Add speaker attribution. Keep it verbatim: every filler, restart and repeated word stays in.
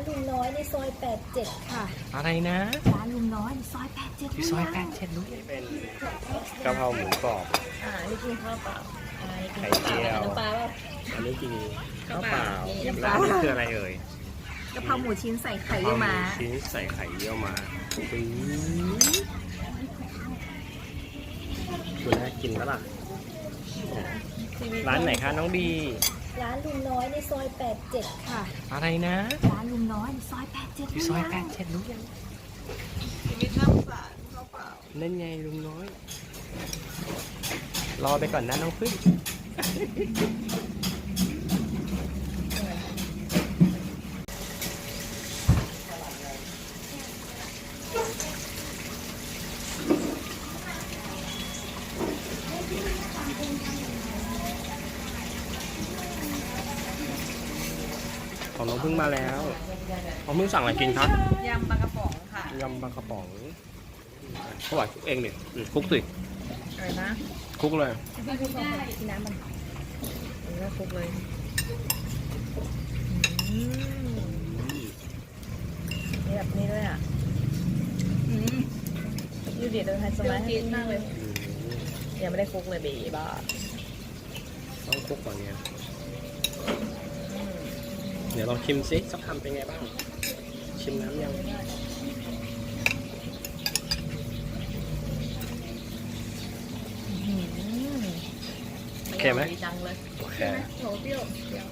Speaker 1: ลุงน้อยในซอยแปดเจ็ดค่ะ
Speaker 2: อะไรนะ
Speaker 1: ร้านลุงน้อยในซอยแปดเจ็ด
Speaker 2: ที่ซอยแปดเช็ดรู้เป็นกะเพราหมูกรอบ
Speaker 1: อ่านี่กินข้าวเปล่าอ่านี่กิน
Speaker 2: ไข่
Speaker 1: ข้าวเป
Speaker 2: เจี
Speaker 1: ล่า
Speaker 2: ยว
Speaker 1: น้ำปลาเปล่า
Speaker 2: อันนี้กินข้าวเปล่า
Speaker 1: น้ำป
Speaker 2: แล้
Speaker 1: ลา
Speaker 2: วอันนี้คืออะไรเอ่ย
Speaker 1: กะเพราหมูชิ้นใส่ไข่
Speaker 2: กะเพ
Speaker 1: เยี่
Speaker 2: รา
Speaker 1: ยว
Speaker 2: หมู
Speaker 1: ม้า
Speaker 2: ชิ้นใส่ไข่เยี่ยวม้าปิ้งคุณน่ากินแล้วล่ะร้านไหนคะน้องบี
Speaker 1: ร้านลุงน้อยในซอยแปดเจ็ดค่ะ
Speaker 2: อะไรนะ
Speaker 1: ร้านลุงน้อยในซอยแปดเจ็ด
Speaker 2: ที่ซอยแปดเช็ดรู้ยัง
Speaker 3: ชีวิตน่าสงสารเขาเปล่า
Speaker 2: นั่นไงลุงน้อย รอไปก่อนนะน้องพึ่งของน้องพึ่งมาแล้วน้องพึ่งสั่งอะไรกินครับ
Speaker 3: ยำปลากระป๋องค่ะ
Speaker 2: ยำปลากระป๋องเขาบอกคลุกเองดิอืมคลุกสิ
Speaker 3: อะไรนะ
Speaker 2: คลุกเลย
Speaker 1: กินน้ำมัน
Speaker 3: อันนี้ก็ครบเลยอืมนี่แบบนี้ด้วยอ่ะอืมยูดีเดินไฮสมัยให้มากเลย
Speaker 2: อืม
Speaker 3: ยังไม่ได้คลุกเลยบีบ้า
Speaker 2: ต้องคลุกก่อนเนี่ยเดี๋ยวลองชิมซิสักคำเป็นไงบ้าง ชิมน้ำยังโอเคไหม
Speaker 3: ดีจังเลย
Speaker 2: โอเค
Speaker 3: โหเปรี้ยวเปรี้ยว